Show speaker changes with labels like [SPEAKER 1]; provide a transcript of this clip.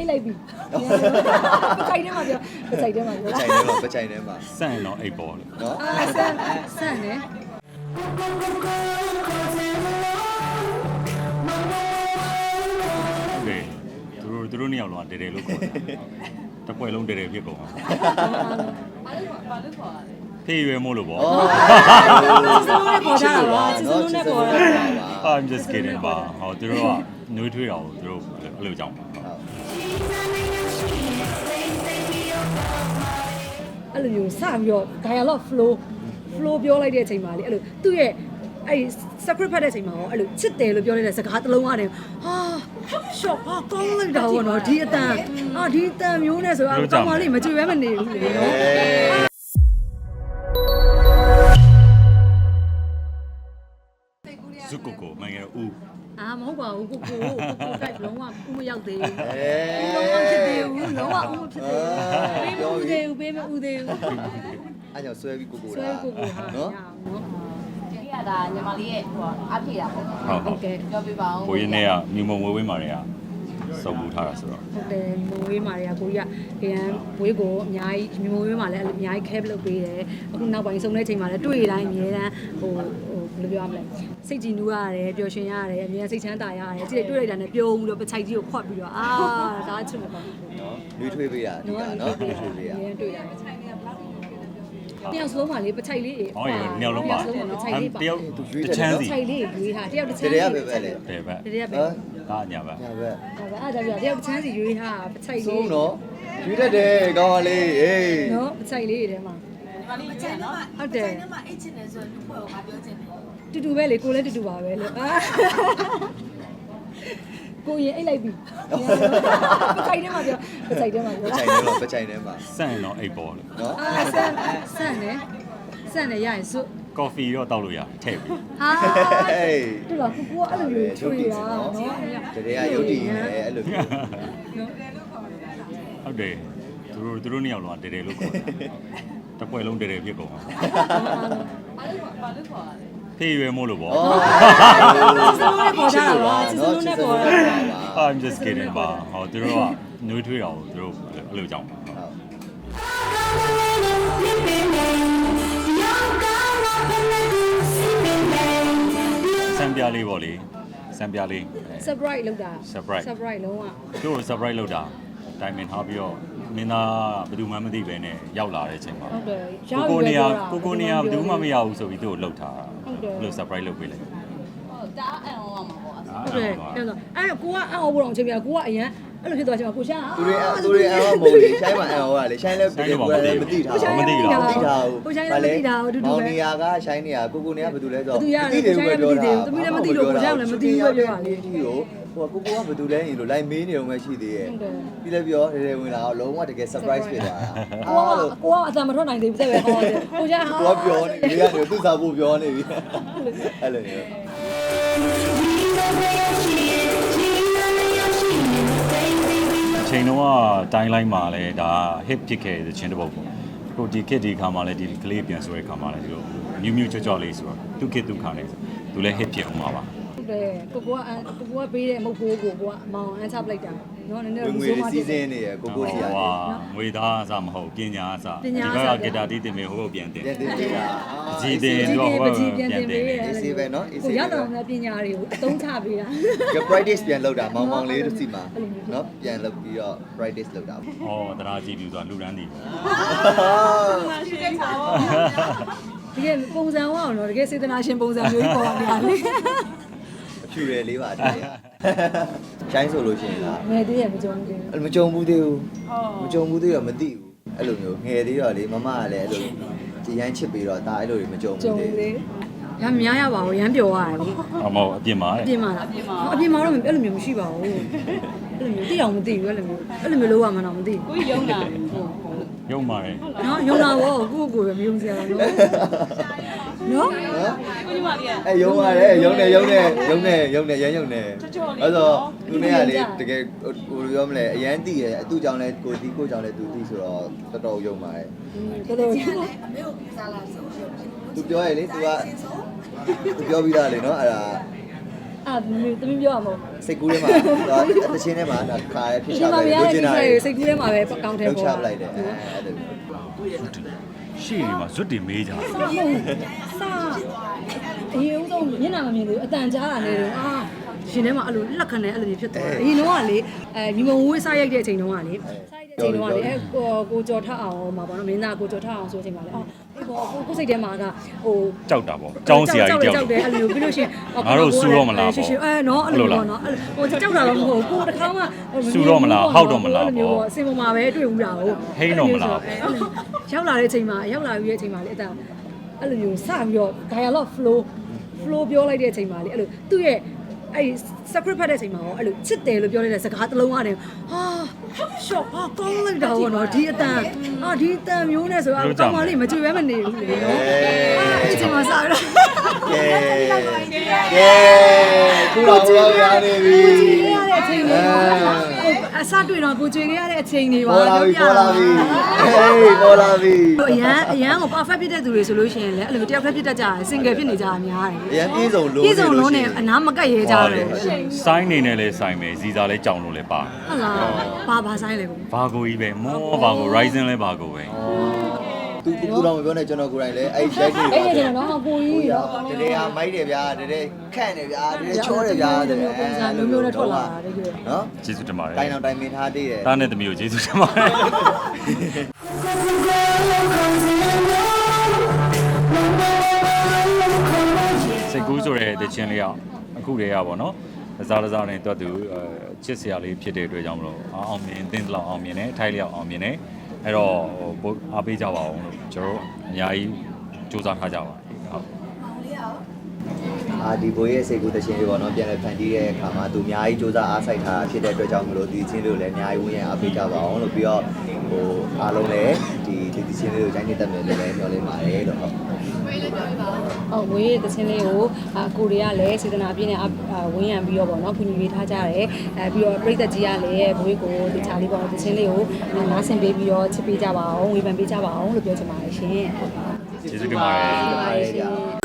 [SPEAKER 1] အိတ်လိုက်ပြီပချိုင်ထဲမှာပြောပချိုင်ထဲမှာပြော
[SPEAKER 2] ပချိုင်ထဲမှာပချိုင်ထဲမှာ
[SPEAKER 3] စန့်ရင်တော့အိတ်ပေါ်လို့
[SPEAKER 2] နော်
[SPEAKER 1] ဆန်နေ
[SPEAKER 3] โอเคသူတို့နှစ်ယောက်လုံးတဲတဲလို့ခေါ်တယ်တစ်ပွဲလုံးတဲတဲဖြစ်ကုန်အောင်ဘာလို့ခေါ်ရလဲဖေးရွယ်မို့လို့ပေါ့
[SPEAKER 1] စစလုံးနဲ့ပေါ်ကြတာပါစစလုံးနဲ့ပေါ်တာ
[SPEAKER 3] I'm just kidding ပါဟောသူတို့ကနှွေးထွေးတာကိုသူတို့အဲ့လိုကြောင်းပါ
[SPEAKER 1] အဲ့လိုမျိုးစပြီးတော့ dialogue flow ပြောလိုက်တဲ့အချိန်မှာလေအဲ့လိုသူ့ရဲ့အဲ့ script ဖတ်တဲ့အချိန်မှာရောအဲ့လိုချစ်တယ်လို့ပြောလိုက်တဲ့စကားတစ်လုံးကနေဟာ shot ဟာကောင်းလိုက်တာဘောနော်ဒီအတန်ဒီအတန်မျိုးနဲ့ဆိုတော့ကောင်းပါလိမ့်မကြွေပဲမနေဘူးလေနော်
[SPEAKER 3] ဇုကိုကိုမင်္ဂလာဦး
[SPEAKER 1] မဟုတ်ပါဘူးကိုတိုက်လုံးဝဥမရောက်သေးဘူးလုံးဝဖြစ်သေးဘူးလုံးဝဥမဖြစ်သေးဘူးပေးမဦးသေးဘူး
[SPEAKER 2] အဲ့ကြောင့်ဆွဲပြီးကို
[SPEAKER 1] ဆွဲ
[SPEAKER 2] တာ
[SPEAKER 1] ကိုဟာ
[SPEAKER 2] နော်
[SPEAKER 4] ဒီကဒါညီမလေးရဲ့ဟိုအားဖြည့်တာပေါ့
[SPEAKER 1] ဟုတ်ကဲ့
[SPEAKER 4] ပြောပြပါဦး
[SPEAKER 3] ကိုရင်းနဲ့ကမြုံမုံဝဲဝဲမာတွေကစုပ်ပူထားတာဆိုတော့
[SPEAKER 1] ဟုတ်တယ်မဝေးမာတွေကကိုကြီးကရန်ဝေးကိုအများကြီးမဝေးမာလည်းအများကြီး cap လုပ်ပေးတယ်အခုနောက်ပိုင်းစုံတဲ့ချိန်မှာလည်းတွေ့တိုင်းအများတန်းဟိုဘယ်လိုပြောရမလဲစိတ်ကြည်နူးရတယ်ပျော်ရွှင်ရတယ်အများစိတ်ချမ်းသာရတယ်ကြည့်တွေ့လိုက်တာနဲ့ပြုံးပြီးတော့ပချိုက်ကြီးကိုခွတ်ပြီးတော့ဒါချစ်မှာပါ
[SPEAKER 2] နော်နှွေးထွေးပေးတာဒီကနော်နှွေးထွေးပေးတာ
[SPEAKER 1] အများတွေ့တာတယောက်ဆုံးပါလေပချိုက်လေး
[SPEAKER 3] ဟောရနှစ်ယောက်လုံးပါ
[SPEAKER 1] ပချိုက်လေးပါ
[SPEAKER 3] တယောက်တစ်ချမ်း
[SPEAKER 1] ပ
[SPEAKER 3] စီ
[SPEAKER 1] ချိုက်လေးရွေးထားတယောက်တစ်ချမ်း
[SPEAKER 2] တရရပဲပဲလေ
[SPEAKER 3] တယ်ပဲ
[SPEAKER 1] တရရပဲ
[SPEAKER 3] ဒါညာပဲ
[SPEAKER 2] ညာပဲ
[SPEAKER 1] အဲ့ဒါပြတယောက်တစ်ချမ်းစီရွေးထားပချိုက်လေး
[SPEAKER 2] ဆုံးတော့ရွေးတတ်တယ်ကောင်းပါလေအေး
[SPEAKER 1] နော်ပချိုက်လေးတွေထဲမှာ
[SPEAKER 4] ညီမလေးကျန်နော်
[SPEAKER 1] ဟုတ်တယ်
[SPEAKER 4] ညီမအိတ်ချင်တယ်ဆိုတော့လူ့ဘွယ်ကိုငါပြောချင်တယ်
[SPEAKER 1] တူတူပဲလေကိုလည်းတူတူပါပဲလို့ကိုရင်အိတ်လိုက်ပြီပချိုက်ထဲမှာပြောပချိုက်ထဲမှာပြော
[SPEAKER 2] ပချိုင်ထဲမှာပချိုင်ထဲမှာ
[SPEAKER 3] စန့်ရင်တော့အိတ်ပေါ်လို့
[SPEAKER 2] နော်
[SPEAKER 1] ဆန်နေရရင်စွ
[SPEAKER 3] ကော်ဖီတော့တောက်လို့ရထည့်ပြီး
[SPEAKER 1] ဟာ
[SPEAKER 2] ဟေး
[SPEAKER 1] တူလားကိုကအဲ့လိုမျိုးချွေတာနော်
[SPEAKER 2] တရရရုပ်တည်နေအဲ့လိုမျိုး
[SPEAKER 3] ဟုတ်တယ်သူတို့နှစ်ယောက်လုံးတဲတဲလို့ခေါ်တယ်တစ်ပွဲလုံးတဲတဲဖြစ်ကုန်အောင်
[SPEAKER 4] ဘာလို့ခေါ်ရလဲ
[SPEAKER 3] ဖေးရွယ်မို့လို့ပေါ့
[SPEAKER 1] စစလုံးနဲ့ပေါ်ကြတာပါစစလုံးနဲ့ပေါ်တာ
[SPEAKER 3] I'm just kidding ပါဟောသူတို့ကနှွေးထွေးတာကိုသူတို့အဲ့လိုကြောင်းပါစံပြလေးပေါ့လေစံပြလေး
[SPEAKER 1] surprise လောက်တာ
[SPEAKER 3] surprise
[SPEAKER 1] လုံးဝ
[SPEAKER 3] သူ့ကို surprise လုပ်တာတိုင်ပင်ထားပြီးတော့မင်းသားဘယ်သူမှမသိပဲနဲ့ရောက်လာတဲ့အချိန်မှာ
[SPEAKER 1] ဟုတ်တယ်
[SPEAKER 3] ကိုနေရာဘယ်သူမှမရဘူးဆိုပြီးသူ့ကိုလှုပ်ထားဘယ်လို surprise လုပ်ပေးလိုက်
[SPEAKER 4] ဟိုဒါအန်အောင်မှာပေါ့
[SPEAKER 1] ဟုတ်တယ်အဲ့တော့အဲ့ကိုကအအောင်ဖို့တော့အချိန်ပြကိုကအရန်အဲ့လိုဖြစ်သွားချင်မှာကိုရှာ
[SPEAKER 2] သူတွေအန်မဟုတ်လေရှိုင်းမှာအန်ဟောကလေရှိုင်းလည်းပြည်ကိုလည်းမသိထားဘူးမောင်နေရာကရှိုင်းနေရာကိုနေရာဘယ်သူလဲဆိုတော့သမီးလည်းမသိလို့ကိုရှာလည်းမသိဘူးပဲပြောပါလေဟိုကိုကဘယ်သူလဲရင်လို့ line မေးနေတော့မှရှိသေးရဲ့ပြီးလည်းပြောတယ်ဝင်လာတော့လုံးဝတကယ် surprise ဖြစ်သွားတာ
[SPEAKER 1] ကိုကအတန်မထွက်နိုင်သေးဘူးတဲ့ပဲဟောတယ်ကိုရှာဟာ
[SPEAKER 2] ကိုကပြောနေပြီကနေသူ့စာဖို့ပြောနေပြီအဲ့လိုမျိုး
[SPEAKER 3] အချိန်တော့တိုင်းလိုက်မှာလဲဒါ hit ဖြစ်ခဲ့တဲ့ချင်းတစ်ပုတ်ပေါ့ကိုဒီ kit ဒီခါမှာလဲဒီကလေးပြန်ဆိုတဲ့ခါမှာလဲဒီလိုမြူးမြူးချော့ချော့လေးဆိုတော့သူ kit သူခါနေဆိုသူလဲ hit ဖြစ်အောင်ပါပါ
[SPEAKER 1] ဟုတ်တယ်ကိုကပေးတဲ့အမုတ်ကိုကအမောင်အန်းချပလိုက်တာနော်နည်းနည်း
[SPEAKER 2] ငွေစီးစင်းနေရကိုစီရတယ်
[SPEAKER 3] ငွေသားအစားမဟုတ်ပညာအစားဒီဘက်ကဂီတာတီးတင်မယ်ဟိုဘက်ပြန်တင်
[SPEAKER 2] ပြန်တင်ပေးတာ
[SPEAKER 3] ကြည်တင်တော့ဟိုပြန်တင်တယ်
[SPEAKER 2] AC ပဲเนาะ AC
[SPEAKER 1] ကိုရောက်တော့လည်းပညာတွေကိုအသုံးချပေးတာ
[SPEAKER 2] က practice ပြန်လုပ်တာမောင်မောင်လေးတို့စီမှာเนาะပြန်လုပ်ပြီးတော့ practice လုပ်တာပေါ့
[SPEAKER 3] ဩတရားကြည့်ပြီးဆိုတာလူရန်တီ
[SPEAKER 4] ရှိတဲ့ခါပေါ့
[SPEAKER 1] တကယ်ပုံစံဝအောင်တော့တကယ်စေတနာရှင်ပုံစံမျိုးကြီးပေါ်နေတာလေ
[SPEAKER 2] အဖြူရလေးပါတည်းရှိုင်းဆိုလို့ရှိရင်လား
[SPEAKER 1] ငယ်သေးရမကြုံဘူး
[SPEAKER 2] အဲ့မကြုံဘူးသေးဘူးမကြုံဘူးသေးတော့မသိဘူးအဲ့လိုမျိုးငယ်သေးတော့လေမမကလည်းအဲ့လိုဒီရိုင်းချစ်ပြီးတော့ဒါအဲ့လိုတွေမကြုံ
[SPEAKER 1] ကြုံ
[SPEAKER 2] ဘူးသေး
[SPEAKER 1] သေးရမ်းများရပါဘူးရမ်းပျော်ရတယ်လေ
[SPEAKER 3] အမောအပြင်မှာ
[SPEAKER 1] အပြင်မှာလားအပြင်မှာတော့အဲ့လိုမျိုးမရှိပါဘူးအဲ့လိုမျိုးတိအောင်မသိဘူးအဲ့လိုမျိုးလုံးဝမှတော့မသိဘူး
[SPEAKER 4] ကိုကြီးယုံတာ
[SPEAKER 3] ရုံပါတယ်
[SPEAKER 1] နော်ယုံလာဘောကိုကိုပဲမယုံစရာတော့နော်
[SPEAKER 2] နော်
[SPEAKER 4] ကိုကြီးမလေးက
[SPEAKER 2] အဲယုံပါတယ်ယုံနေရမ်းယုံနေအဲ့တော့သူနဲ့ကလေတကယ်ဟိုပြောမလဲအရန်တည်ရအတူကြောင့်လဲကိုတီးကိုကြောင့်လဲသူတီးဆိုတော့တော်တော်ယုံပါတယ်
[SPEAKER 1] တော်တော်
[SPEAKER 2] သူပြောရလေသူကသူပြောပြီးသားလေနော်အဲ့ဒါ
[SPEAKER 1] သမီးပြောရမို့
[SPEAKER 2] စိတ်ကူးထဲမှာတချင်းထဲမှာခါရဖြစ်ချ
[SPEAKER 1] ဒီမှာမရ
[SPEAKER 2] လို
[SPEAKER 1] တဲ့
[SPEAKER 2] ချင်
[SPEAKER 1] ကိစ္စ
[SPEAKER 2] တာ
[SPEAKER 1] တွေစိတ်ကူးထဲမှာပဲကောင်းတယ်
[SPEAKER 2] လောက်ချ
[SPEAKER 1] ပေါ့
[SPEAKER 2] ပလိုက်တယ်အဲ့ဒါ
[SPEAKER 3] ရှေ့ဒီမှာဇွတ်တင်မေးကြတယ်
[SPEAKER 1] စအရင်ဦးဆုံးမျက်နှာမမြင်ဘူးအတန်ကြားတာနဲ့တော့ရှင်ထဲမှာအဲ့လိုလက်ခံနဲ့အဲ့လိုမျိုးဖြစ်သွားတယ်အရင်တော့ကလေညီမဝေးစားရိုက်တဲ့အချိန်တုန်းကလေစားရိုက်တဲ့အချိန်တုန်းကလေကိုကြော်ထအောင်မှာပေါ့နော်မင်းသားကိုကြော်ထအောင်ဆိုတဲ့အချိန်မှာလေအေးပေါ့ကိုစိတ်ထဲမှာကဟို
[SPEAKER 3] ကြောက်တာပေါ့ကျောင်းဆရာကြီးတယောက်
[SPEAKER 1] ကြောက်တယ်အဲ့လိုပြီးလို့ရှိရင်
[SPEAKER 3] ငါတို့စူတော့မလားပေါ့
[SPEAKER 1] ရှင်နော်အဲ့လိုပေါ့နော်ဟိုကြောက်တာတော့မဟုတ်ဘူးကိုတစ်ခါမှ
[SPEAKER 3] စူတော့မလားဟောက်တော့မလားပေါ့
[SPEAKER 1] အစင်ပေါ်မှာပဲတွေ့ဦးတာဟုတ်
[SPEAKER 3] ဟိန်းတော့မလား
[SPEAKER 1] ရောက်လာတဲ့အချိန်မှာရောက်လာပြီးတဲ့အချိန်မှာလေအဲ့လိုမျိုးစပြီးတော့ dialogue flow ပြောလိုက်တဲ့အချိန်မှာလေအဲ့လိုသူ့ရဲ့အဲ့ script ဖတ်တဲ့အချိန်မှာရောအဲ့လိုချစ်တယ်လို့ပြောလိုက်တဲ့စကားတစ်လုံးအားနဲ့ရှော့ကောင်းလိုက်တာပေါ့နော်ဒီအတန်ဒီအတန်မျိုးနဲ့ဆိုတော့ကောင်းပါလိမ့်မကြွေပဲမနေဘူးလေနော်အဲ့အချိန်မှာစပြီးတော့
[SPEAKER 2] ကဲခုတော့ရနေပြီ
[SPEAKER 1] ရတဲ့အချိန်တွေအစတွေ့တော့ကိုကြွေခဲ့ရတဲ့အချိန်တွေပါ
[SPEAKER 2] ပေါ်လာပြီပေါ်လာပြီဟေးပေါ်လာပြီ
[SPEAKER 1] အရန်ကို perfect ဖြစ်တဲ့သူတွေဆိုလို့ရှိရင်လည်းအဲ့လိုတယောက်ဖက်ဖြစ်တတ်ကြတယ် single ဖြစ်နေကြတာများတယ်
[SPEAKER 2] အရင်ပြေးစုံလုံး
[SPEAKER 1] ပြည်စုံလုံးနဲ့အနားမကတ်ရဲကြတယ်
[SPEAKER 3] စိုင်းနေနဲ့လဲစိုင်းမယ်ဇီစာလဲကြောင်လို့လဲပါ
[SPEAKER 1] ဟုတ်လားဘာဆိုင်လဲကို
[SPEAKER 3] ဘာကိုကြီးပဲမောဘာကို Ryzen လဲဘာကိုပဲ
[SPEAKER 2] သူတော့မပြောနဲ့ကျွန်တော်ကိုယ်တိုင်လည်းအဲ့ရိုက်နေ
[SPEAKER 1] အဲ့ဒီကျွန်တော်တော့ကိုကြီးရော
[SPEAKER 2] တကယ်ဟာမိုက်တယ်ဗျာတကယ်ခန့်တယ်ဗျာတကယ်ချောတယ်ဗျာတကယ်
[SPEAKER 1] ပုံစံမျိုးနဲ့ထွက်လာတာတကယ်
[SPEAKER 2] နော်
[SPEAKER 3] ကျေးဇူးတင်ပါတယ်
[SPEAKER 2] တိုင်းအောင်တိုင်းမင်းထားသေးတယ်
[SPEAKER 3] တားနဲ့သမီးကိုကျေးဇူးတင်ပါတယ်စိတ်ကူးဆိုတဲ့တခြင်းလေးကအခုတည်းကပေါ့နော်အစားနဲ့တွတ်သူချစ်စရာလေးဖြစ်တဲ့အတွက်ကြောင့်မလို့အောင်မြင်သင်းလောက်အောင်မြင်တယ်အထိုက်လျောက်အောင်မြင်တယ်အဲ့တော့ဟိုအားပေးကြပါအောင်လို့ကျွန်တော်အများကြီးစူးစမ်းထားကြပါဟုတ်
[SPEAKER 2] ဒီဘိုးရဲ့စိတ်ကူးတခြင်းလေးပေါ့နော်ပြန်လည်ဖန်တီးတဲ့အခါမှာသူအများကြီးစူးစမ်းအားစိုက်ထားဖြစ်တဲ့အတွက်ကြောင့်မလို့ဒီချင်းလေးကိုလည်းအများကြီးဝင်ရအားပေးကြပါအောင်လို့ပြီးတော့ဟိုအားလုံးလည်းဒီချင်းလေးကိုတိုင်းနေတတ်မယ်လို့လည်းပြောလိုက်ပါတယ်လို့ဟုတ်
[SPEAKER 1] ဝေးတဲ့ချင်းလေးကိုကိုတွေကလည်းစေတနာပြည့်နဲ့ဝင်းရံပြီးတော့ပေါ့နော်ကုညီပေးထားကြတယ်ပြီးတော့ပြည်သက်ကြီးကလည်းဘွေးကိုဒီချာလေးပေါ့တချင်းလေးကိုနားဆင်ပေးပြီးတော့ချစ်ပေးကြပါအောင်ဝေဖန်ပေးကြပါအောင်လို့ပြောချင်ပါတယ်ရှင်
[SPEAKER 3] ကျေးဇူးတင်ပါတယ်
[SPEAKER 1] ဟုတ်ပါရှင်